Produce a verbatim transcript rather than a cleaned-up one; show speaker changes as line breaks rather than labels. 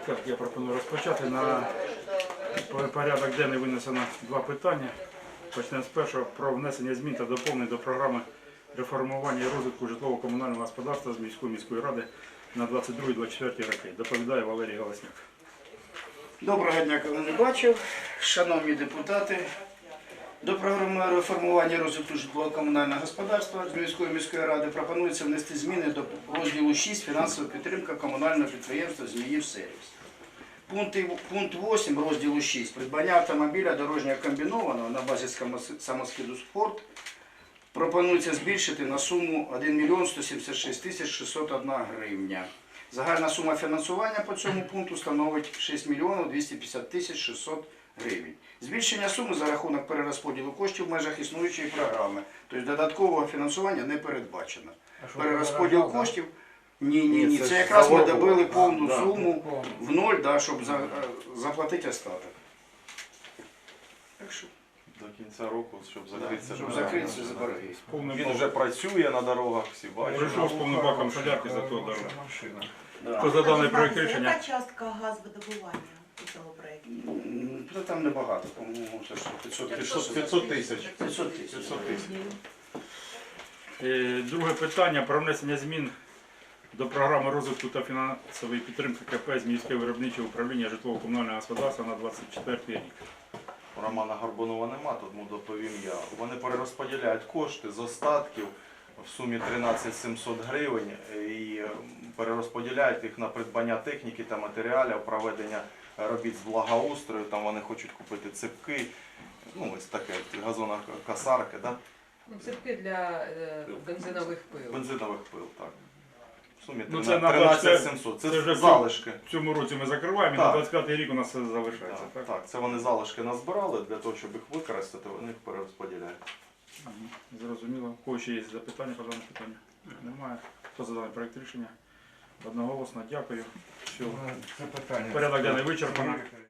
ласка, я пропоную розпочати. На порядок денний винесено два питання. Почнемо з першого про внесення змін та доповнень до програми реформування і розвитку житлово-комунального господарства з міської міської ради на двадцять другий - двадцять четвертий роки. Доповідає Валерій Галасняк.
Доброго дня, кого не бачив. Шановні депутати, до програми реформування і розвитку житлово-комунального господарства з міської міської ради пропонується внести зміни до розділу шість «Фінансова підтримка комунального підприємства «Зміївсервіс». Пункти, пункт вісім розділу шість «Придбання автомобіля дорожнього комбінованого на базі самоскиду «Спорт» пропонується збільшити на суму один мільйон сто сімдесят шість тисяч шістсот одна гривня. Загальна сума фінансування по цьому пункту становить шість мільйонів двісті п'ятдесят тисяч шістсот гривень. Збільшення суми за рахунок перерозподілу коштів в межах існуючої програми. Тобто додаткового фінансування не передбачено. Перерозподіл коштів – ні, ні, ні. Це якраз ми добили повну суму в ноль, да, щоб за, заплатити остаток. Так що.
До кінця року, щоб закритися.
Щоб закритися за борги.
Він вже працює на дорогах, всі бачать.
Прийшов з повним баком солярки за то дорогу.
Да.
Хто за даний проєкт рішення?
Яка частка газовидобування у цьому проєкті?
М, Та там небагато, по-моєму, це ж п'ятсот
п'ятсот п'ятсот тисяч.
п'ятсот тисяч.
п'ятсот тисяч.
Е, Друге питання про внесення змін до програми розвитку та фінансової підтримки КП «Зміївське виробниче управління житлово-комунального господарства» на двадцять четвертий рік.
Романа Горбунова нема, тому доповім я. Вони перерозподіляють кошти з остатків в сумі тринадцять тисяч сімсот гривень і перерозподіляють їх на придбання техніки та матеріалів, проведення робіт з благоустрою. Там вони хочуть купити ципки, ну ось таке, газонокосарки, да?
Ципки для е, бензинових пил.
Бензинових пил, так. В сумі
Ну, це на
тринадцять тисяч
двадцять
сімсот.
це
Це
вже
залишки.
В цьому році ми закриваємо, і
Так.
на двадцять п'ятий рік у нас все залишається.
Так,
Так?
так, це вони залишки назбирали, для того, щоб їх використати, вони їх перерозподіляють.
Мгм. Зрозуміло. У кого ще є запитання по даному питанню? Немає. Хто за даний проєкт рішення? Одноголосно. Дякую. Все.
Це питання.
Порядок денний вичерпано.